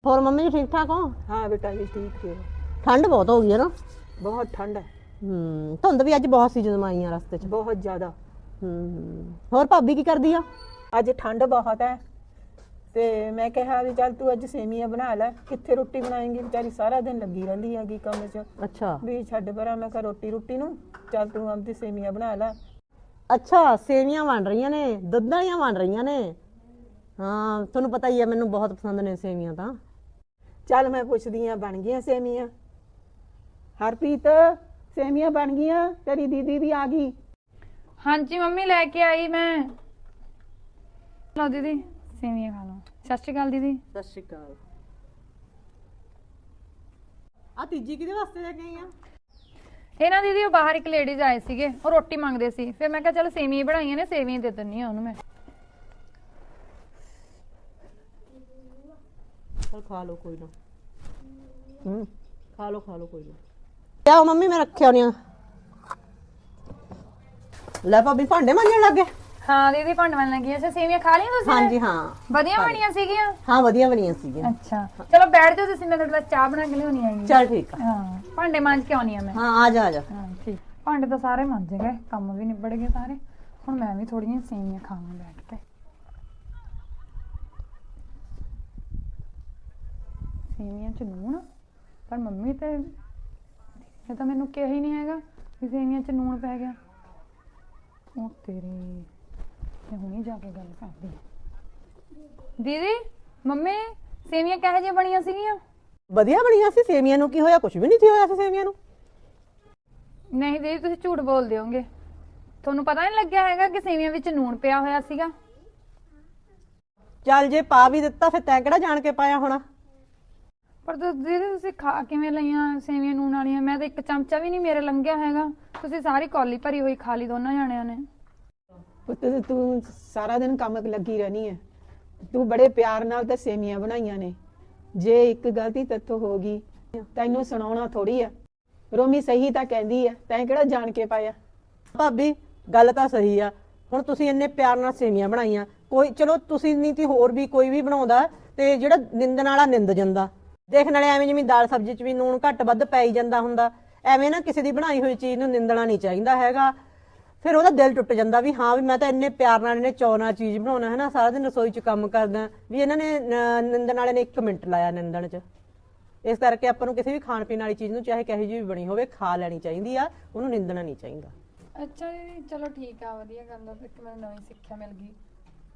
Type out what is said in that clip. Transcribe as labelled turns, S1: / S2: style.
S1: ਹੋਰ ਮੰਮੀ ਜੀ ठीक ठाक हो?
S2: हाँ बेटा जी ठीक है।
S1: ठंड बहुत हो गई है ना?
S2: बहुत ठंड है।
S1: धुंध भी अज बहुत सी ਜਦੋਂ ਆਈਆਂ ਰਸਤੇ 'ਚ।
S2: बहुत ज्यादा।
S1: ਹੋਰ ਭਾਬੀ ਕੀ ਕਰਦੀ ਆ?
S2: ਅੱਜ ਠੰਡ ਬਹੁਤ ਹੈ ਤੇ ਮੈਂ ਕਿਹਾ ਵੀ ਚੱਲ ਤੂੰ ਅੱਜ ਸੇਮੀਆਂ ਬਣਾ ਲੈ। ਕਿੱਥੇ ਰੋਟੀ ਬਣਾਏਂਗੀ, ਵਿਚਾਰੀ ਸਾਰਾ ਦਿਨ ਲੱਗੀ ਰਹਿੰਦੀ ਹੈਗੀ ਕੰਮ 'ਚ।
S1: ਅੱਛਾ
S2: ਵੀ ਛੱਡ ਪਰਾਂ, ਮੈਂ ਕਿਹਾ ਰੋਟੀ ਨੂੰ ਚੱਲ ਤੂੰ ਆਪਦੀ ਸੇਮੀਆਂ ਬਣਾ ਲੈ।
S1: ਅੱਛਾ ਸੇਵੀਆਂ ਬਣ ਰਹੀਆਂ ਨੇ, ਦੁੱਧ ਵਾਲੀਆਂ ਬਣ ਰਹੀਆਂ ਨੇ। ਹਾਂ ਤੁਹਾਨੂੰ ਪਤਾ ਹੀ ਹੈ ਮੈਨੂੰ ਬਹੁਤ ਪਸੰਦ ਨੇ ਸੇਵੀਆਂ ਤਾਂ।
S2: ਚੱਲ ਮੈਂ ਪੁੱਛਦੀ ਆ, ਬਣ ਗਈਆਂ ਸੇਮੀਆਂ? ਹਰਪ੍ਰੀਤ ਸੇਮੀਆਂ ਬਣ ਗਈਆਂ? ਤੇਰੀ ਦੀਦੀ ਵੀ ਆ ਗਈ?
S3: हाँ जी मम्मी लेके आई मैं। लो दीदी सेवियां खा लो। सत श्री अकाल दीदी।
S1: ਸਤਿ ਸ਼੍ਰੀ ਅਕਾਲ। ਆ ਤੀਜੀ ਕਿਹਦੇ ਵਾਸਤੇ ਲੈ ਕੇ ਆਈ ਆ?
S3: ਇਹ ਨਾ ਦੀਦੀ ਉਹ ਬਾਹਰ ਇੱਕ ਲੇਡੀਜ਼ ਆਏ ਸੀਗੇ, ਉਹ ਰੋਟੀ ਮੰਗਦੇ ਸੀ, ਫਿਰ ਮੈਂ ਕਿਹਾ ਚਲ ਸੇਵੀਆਂ ਬਣਾਈਆਂ ਨੇ, ਸੇਵੀਆਂ ਦੇ ਦਿੰਨੀ ਆ ਉਹਨੂੰ ਮੈਂ।
S1: ਚਲ ਖਾ ਲਓ ਕੋਈ ਨਾ। ਖਾ ਲਓ ਕੋਈ ਨਾ। ਲਿਆਓ ਮੰਮੀ ਮੈਂ ਰੱਖਿਆ ਹੋਣੀਆਂ। ਲੈ ਭਾਬੀ ਭਾਂਡੇ ਮਾਂਜਣ ਲੱਗ ਗਏ?
S3: ਹਾਂ ਦੀਦੀ ਭਾਂਡੇ ਮਾਂਜਣ ਲੱਗੀ। ਅੱਛਾ ਸੇਵੀਆਂ ਖਾ ਲਈਆਂ ਤੁਸੀਂ?
S1: ਹਾਂਜੀ ਹਾਂ
S3: ਵਧੀਆ ਬਣੀਆਂ ਸੀਗੀਆਂ?
S1: ਹਾਂ ਵਧੀਆ ਬਣੀਆਂ ਸੀਗੀਆਂ।
S3: ਅੱਛਾ ਚਲੋ ਬੈਠ ਜਾਓ ਤੁਸੀਂ, ਮੈਂ ਤੁਹਾਡੇ ਲਈ ਚਾਹ ਬਣਾ ਕੇ ਲਿਆਉਣੀ ਆਈ।
S1: ਚਲ ਠੀਕ ਆ।
S3: ਹਾਂ ਭਾਂਡੇ ਮਾਂਜ ਕੇ ਆਉਣੀ ਆ ਮੈਂ।
S1: ਹਾਂ ਆ ਜਾ ਆ ਜਾ।
S3: ਹਾਂ ਠੀਕ। ਭਾਂਡੇ ਤਾਂ ਸਾਰੇ ਮਾਂਜ ਗਏ, ਕੰਮ ਵੀ ਨਿਬੜ ਗਏ ਸਾਰੇ। ਹੁਣ ਮੈਂ ਵੀ ਥੋੜੀਆਂ ਸੇਵੀਆਂ ਖਾਵਾਂ ਬੈਠ ਕੇ। ਸੇਵੀਆਂ ਚ ਲੂਣ, ਪਰ ਮੰਮੀ ਤੇ ਇਹ ਤਾਂ ਮੈਨੂੰ ਕਿਹਾ ਹੀ ਨਹੀਂ ਹੈਗਾ ਕਿ ਸੇਵੀਆਂ ਚ ਲੂਣ ਪੈ ਗਿਆ। ਉਹ ਤੇਰੀ, ਮੈਂ ਹੁਣੀ ਜਾ ਕੇ ਗੱਲ ਕਰਦੀ। ਦੀਦੀ ਮੰਮੀ ਸੇਵੀਆਂ ਕਿਹੋ ਜਿਹੀਆਂ ਬਣੀਆਂ ਸੀਗੀਆਂ?
S1: ਵਧੀਆ ਬਣੀਆਂ ਸੀ ਸੇਵੀਆਂ ਨੂੰ। ਕੀ ਹੋਇਆ? ਕੁਝ ਵੀ ਨਹੀਂ ਸੀ ਹੋਇਆ ਸੀ ਸੇਵੀਆਂ ਨੂੰ।
S3: ਨਹੀਂ ਦੀਦੀ ਤੁਸੀਂ ਝੂਠ ਬੋਲਦੇ ਹੋਗੇ, ਤੁਹਾਨੂੰ ਪਤਾ ਨਹੀਂ ਲੱਗਿਆ ਹੈਗਾ ਕਿ ਸੇਵੀਆਂ ਵਿੱਚ ਲੂਣ ਪਿਆ ਹੋਇਆ ਸੀਗਾ।
S1: ਚੱਲ ਜੇ ਪਾ ਵੀ ਦਿੱਤਾ ਫਿਰ ਤੈਂ ਕਿਹੜਾ ਜਾਣ ਕੇ ਪਾਇਆ ਹੋਣਾ।
S3: ਪਰ ਦੀਦੀ ਤੁਸੀਂ ਖਾ ਕਿਵੇਂ ਲਈਆਂ ਸੇਵੀਆਂ ਨੂਣ ਵਾਲੀਆਂ? ਮੈਂ ਤਾਂ ਇੱਕ ਚਮਚਾ ਵੀ ਨਹੀਂ ਮੇਰੇ ਲੰਘਿਆ ਹੈਗਾ। ਤੁਸੀਂ ਸਾਰੀ ਕੌਲੀ ਭਰੀ ਹੋਈ ਖਾ ਲਈ ਦੋਨਾਂ ਜਾਣਿਆਂ ਨੇ।
S2: ਪੁੱਤ ਤੂੰ ਸਾਰਾ ਦਿਨ ਕੰਮ ਲੱਗੀ ਰਹਿਣੀ ਹੈ। ਤੂੰ ਬੜੇ ਪਿਆਰ ਨਾਲ ਤਾਂ ਸੇਮੀਆਂ ਬਣਾਈਆਂ ਨੇ। ਜੇ ਇੱਕ ਗਲਤੀ ਤੇਥੋਂ ਹੋ ਗਈ ਤੈਨੂੰ ਸੁਣਾਉਣਾ ਥੋੜੀ ਆ। ਰੋਮੀ ਸਹੀ ਤਾਂ ਕਹਿੰਦੀ ਆ, ਤੈਂ ਕਿਹੜਾ ਜਾਣ ਕੇ ਪਾਇਆ।
S1: ਭਾਬੀ ਗੱਲ ਤਾਂ ਸਹੀ ਆ। ਹੁਣ ਤੁਸੀਂ ਇੰਨੇ ਪਿਆਰ ਨਾਲ ਸੇਵੀਆਂ ਬਣਾਈਆਂ, ਕੋਈ ਚਲੋ ਤੁਸੀਂ ਨਹੀਂ ਤੀ ਹੋਰ ਵੀ ਕੋਈ ਵੀ ਬਣਾਉਂਦਾ ਤੇ ਜਿਹੜਾ ਨਿੰਦਣ ਵਾਲਾ ਨਿੰਦ ਜਾਂਦਾ। ਦੇਖਣ ਵਾਲੇ ਐਵੇਂ ਜਿਵੇਂ ਦਾਲ ਸਬਜ਼ੀ 'ਚ ਵੀ ਨੂਣ ਘੱਟ ਵੱਧ ਪੈ ਹੀ ਜਾਂਦਾ ਹੁੰਦਾ, ਐਵੇਂ ਨਾ ਕਿਸੇ ਦੀ ਬਣਾਈ ਹੋਈ ਚੀਜ਼ ਨੂੰ ਨਿੰਦਣਾ ਨਹੀਂ ਚਾਹੀਦਾ ਹੈਗਾ। ਫਿਰ ਉਹਦਾ ਦਿਲ ਟੁੱਟ ਜਾਂਦਾ ਵੀ ਹਾਂ ਵੀ ਮੈਂ ਤਾਂ ਇੰਨੇ ਪਿਆਰ ਨਾਲ ਇਹਨੇ ਚਾਅ ਨਾਲ ਚੀਜ਼ ਬਣਾਉਣਾ ਹੈ ਨਾ, ਸਾਰਾ ਦਿਨ ਰਸੋਈ 'ਚ ਕੰਮ ਕਰਦਾ, ਵੀ ਇਹਨਾਂ ਨੇ ਨਿੰਦਣ ਵਾਲੇ ਨੇ 1 ਮਿੰਟ ਲਾਇਆ ਨਿੰਦਣ 'ਚ। ਇਸ ਕਰਕੇ ਆਪਾਂ ਨੂੰ ਕਿਸੇ ਵੀ ਖਾਣ ਪੀਣ ਵਾਲੀ ਚੀਜ਼ ਨੂੰ ਚਾਹੇ ਕਿਹੋ ਜਿਹੀ ਵੀ ਬਣੀ ਹੋਵੇ ਖਾ ਲੈਣੀ ਚਾਹੀਦੀ ਆ, ਉਹਨੂੰ ਨਿੰਦਣਾ ਨਹੀਂ ਚਾਹੀਦਾ।
S3: ਅੱਛਾ ਦੀਦੀ ਚਲੋ ਠੀਕ ਆ, ਵਧੀਆ ਗੱਲ ਆ। ਇੱਕ ਮੈਨੂੰ ਨਵੀਂ ਸਿੱਖਿਆ ਮਿਲ ਗਈ।